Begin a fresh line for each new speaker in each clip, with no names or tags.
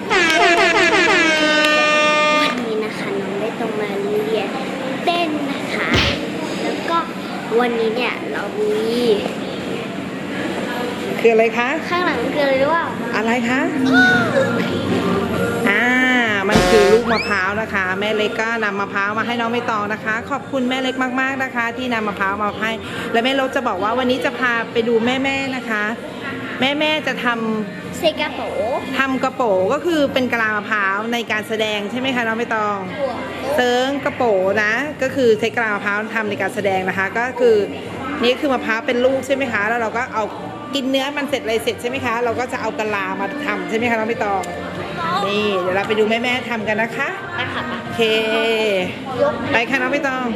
วันนี้นะคะน้องได้ต้องมาเรียนเต้นนะคะแล้วก็วันนี้เนี่ยเรามี
คืออะไรคะ
ข้างหลังคืออะไรรู้ป่าว
อะไรคะมันคือลูกมะพร้าวนะคะแม่เล็กก็นำมะพร้าวมาให้น้องใบตองนะคะขอบคุณแม่เล็กมากๆนะคะที่นำมะพร้าวมาให้และแม่เล็กจะบอกว่าวันนี้จะพาไปดูแม่ๆนะคะแม่จะทำ
เซกาโป
ทำกระโปงก็คือเป็นกะลามะพร้าวในการแสดงใช่ไหมคะน้องใบตองเซิร์งกระโปงนะก็คือใช้กะลามะพร้าวทำในการแสดงนะคะก็คือนี่คือมะพร้าวเป็นลูกใช่ไหมคะแล้วเราก็เอากินเนื้อมันเสร็จอะไรเสร็จใช่ไหมคะเราก็จะเอากะลามาทำใช่ไหมคะน้องใบตองนี่เดี๋ยวเราไปดูแม่ๆทำกันนะคะ
ไปค่ะ
โอเคไปค่ะน้องใบตอง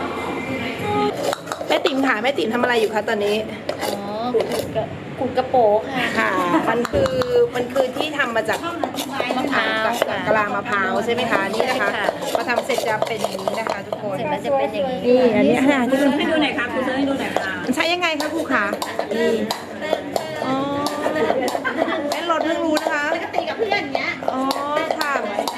แม่ติ๋มค่ะแม่ติ๋มทำอะไรอยู่คะตอนนี้
ขูดกระโปง
ค่ะมันคือที่ทำมาจาก
มะพร้าว
กะลามะพร้าวใช่ไหมคะนี่นะคะพอทำเสร็จจะเป็นอย่างนี้นะคะทุกคน
เสร็จแล้วจะเป็นอย่างนี้
นี่อันนี้ค่ะที่
ให้ดูหน่อยค่ะครูเซอร์ให้ดูหน่อยค่ะ
ใช้ยังไงคะครูคะนี่อ๋อแม่รถเพิ่งรู้นะคะ
ก็ตีกับเพื่อนเงี้ย
อ๋อค่ะ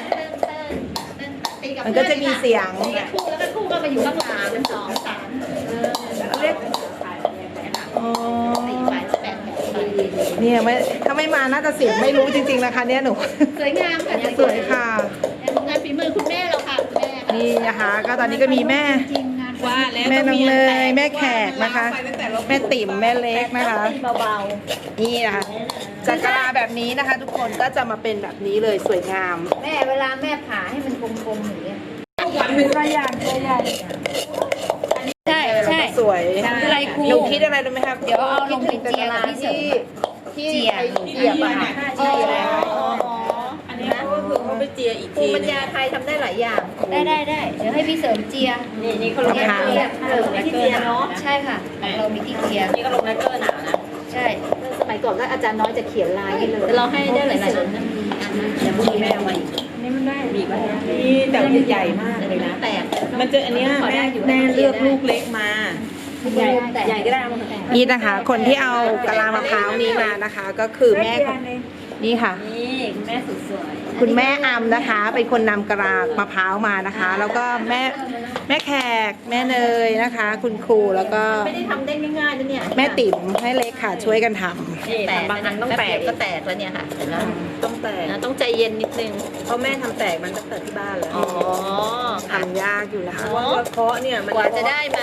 มันก็จะมีเสียง
คู่แล้วก็คู่ก็มาอยู่ข้างหลังเป็น2 3
เรียกอ๋อเนี่ยถ้าไม่มาน่าจะเสียงไม่รู้จริงๆนะคะเนี่ยหนู
สวยงามค่ะ
สวยค่ะ
งานฝีมือคุณแม่เราค่ะคุณแม่
นี่นะคะก็ตอนนี้ก็มีแม่แม่น้องเนยแม่แขกนะคะแม่ติ๋มแม่เล็กนะคะ
เบา
ๆนี่นะคะจากกะลาแบบนี้นะคะทุกคนก็จะมาเป็นแบบนี้เลยสวยงาม
แม่เวลาแม่ผ่าให้มันกลมๆอย่างเงี้ย
วันเป็นตัวอย่าง
ใช่
สวย
อะไรครู
หนูคิดอะไรรู้ไหมครับ
เดี๋ยวเอาลงไปเจียกับพี่เสริม
ที่เจียอะค่ะ
ใช่
อันนี้ก็คือเขาไปเจียอีกที
ปัญญาไทยทำได้หลายอย่างได้เดี๋ยวให้พี่เสริมเจีย
นี่เขาลงแลกเกอร์ที่เจียเนาะ
ใช่ค่ะเรามีที่เจีย
นี่ก็ลงแลกเกอร์หนานะ
ใช่สมัยก่อนก็อาจารย์น้อยจะเขียนลายให้เลยเราให้ได้หลายๆอันนะ
เดี๋ยวพรุ่งนี้แม่เอามาอีก
นี่มันได้
บีบไว้นี่แต่ใหญ่มากเลยนะ
แต่
มันจะอันนี้แม่เลือกลูกเล็กมาใหญ่ก็ได้
นี่นะคะคนที่เอากะลามะพร้าวนี้มานะคะก็คือแม่นี่ค่ะ
นี่คุณแม่สุดสวย
คุณแม่อำนะคะเป็นคนนำกะลามะพร้าวมานะคะแล้วก็แม่แขกแม่เนยนะคะคุณครูแล้วก็
ไม่ได้ทำได้ง่ายๆนะเนี่ย
แม่ติ๋มให้เล็กค่ะช่วยกันท
ำแต่บางอันต้องแตกก็แตกแล้วเนี่ยค่ะ
ต้องแตก
ต้องใจเย็นนิดนึง
เพราะแม่ทำแตกมันตั้งแต่ที่บ้านแล้ว
ทำยากอยู่นะคะ
เพราะว่าเคาะเนี่ย
กว่าจะได้มาก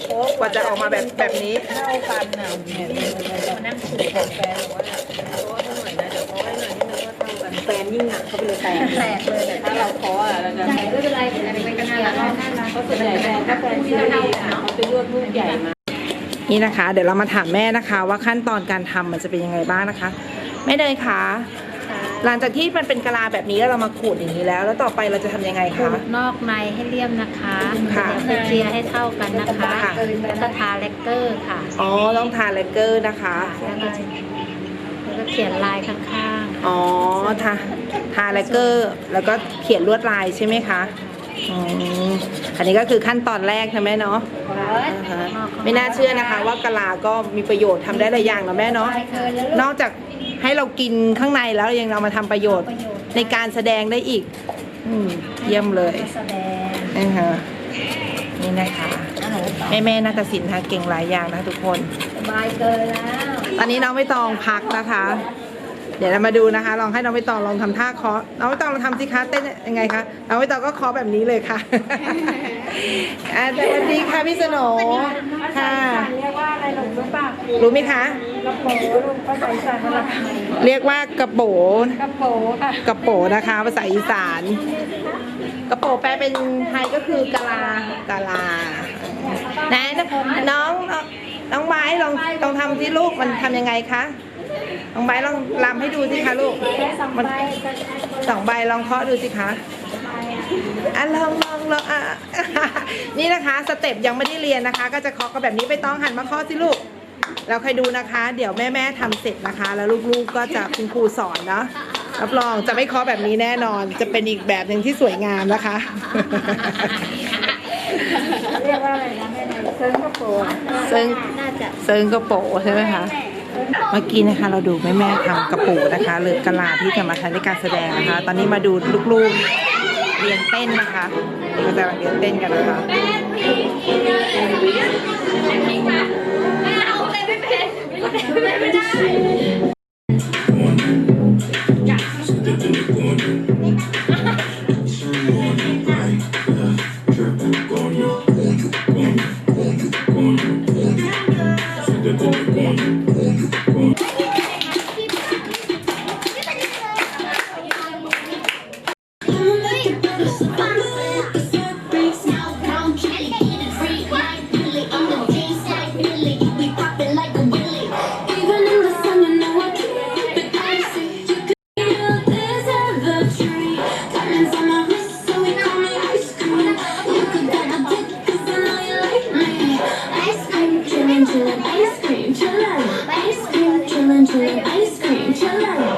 ว่าจะออกมาแบบนี้
เท่ากันน่ะเนี่ย
มานั่งขูด
ของแฟนบอกว่าเคาะหน่อยนะเดี๋ยวเคาะให้หน่อยนี่มันก็เท่ากันแฟนยิ่งหนักเขาไปเลยแตก
เลยแต่
ถ้าเราเคาะอ่ะเราจะ
ไม่เป็นไรอะไรไปกันน่ารัก
เพราะส่วนใหญ่แฟนที่เราเขาไปเลือกลูกใหญ่มา
นี่นะคะเดี๋ยวเรามาถามแม่นะคะว่าขั้นตอนการทำมันจะเป็นยังไงบ้างนะคะแม่เนยคะหลังจากที่มันเป็นกะลาแบบนี้แล้วเรามาขูดอย่างนี้แล้วต่อไปเราจะทำยังไงคะ
นอกในให้เรียบนะคะเดี๋ยวไปเจียให้เท่ากันนะคะแล้วก็ทาแลกเกอร์ค่ะ
อ๋อต้องทาแลกเกอร์นะคะ
แล้วก็เขียนลายข้าง
ๆอ๋อทาแลกเกอร์แล้วก็เขียนลวดลายใช่ไหมคะอันนี้ก็คือขั้นตอนแรกใช่ไหมเนาะไม่น่าเชื่อนะคะว่ากะลาก็มีประโยชน์ทำได้หลายอย่างนะแม่เนาะนอกจากให้เรากินข้างในแล้วยังเรามาทำประโยชน์ในการแสดงได้อีกเยี่ยมเลยนะคะนี่นะคะแม่นาฏศิลป์ค่ะเก่งหลายอย่างนะทุกคน
สบายเกินแล้ว
ตอนนี้น้องใบตองพักนะคะเดี๋ยวเรามาดูนะคะลองให้น้องใบตองลองทำท่าเคาะน้องใบตองลองทำสิคะเต้นยังไงคะน้องใบตองก็เคาะแบบนี้เลยค่ะสวัสดีค่ะพี่สโหน่ค่ะ
เรียกว่าอะไรหลงรู้ป่ะ
รู้ไหมคะ
กระโปลุงภาษาอีสานอะไร
เรียกว่ากระโป
กระโปค่ะ
กระโปนะคะภาษาอีสานกระโปแปลเป็นไทยก็คือกะลนะน้องไม้ลองทำที่ลูกมันทำยังไงคะน้องใบลองรำให้ดูสิคะลูกมัน2 ใบลองเคาะดูสิคะลองนี่นะคะสเต็ปยังไม่ได้เรียนนะคะก็จะเคาะกันแบบนี้ไปต้องหันมาเคาะสิลูกเราใครดูนะคะเดี๋ยวแม่ทำเสร็จนะคะแล้วลูกๆก็จะคุณครูสอนเนาะรับรองจะไม่เคาะแบบนี้แน่นอนจะเป็นอีกแบบหนึ่งที่สวยงามนะคะ
เรียกว่าอะไรนะแม่เซิร์งกระโป
เซิร์งกระโปใช่ไหมคะเมื่อกี้นะคะเราดูแม่ๆทำกระปูนะคะหรือกะลาที่จะมาใช้ในการแสดงนะคะ ตอนนี้มาดูลูกๆเรียนเต้นนะคะเราจะเรียนเต้นกันนะคะ
Ice cream, chillin', ice cream, chillin', ice cream, chillin'.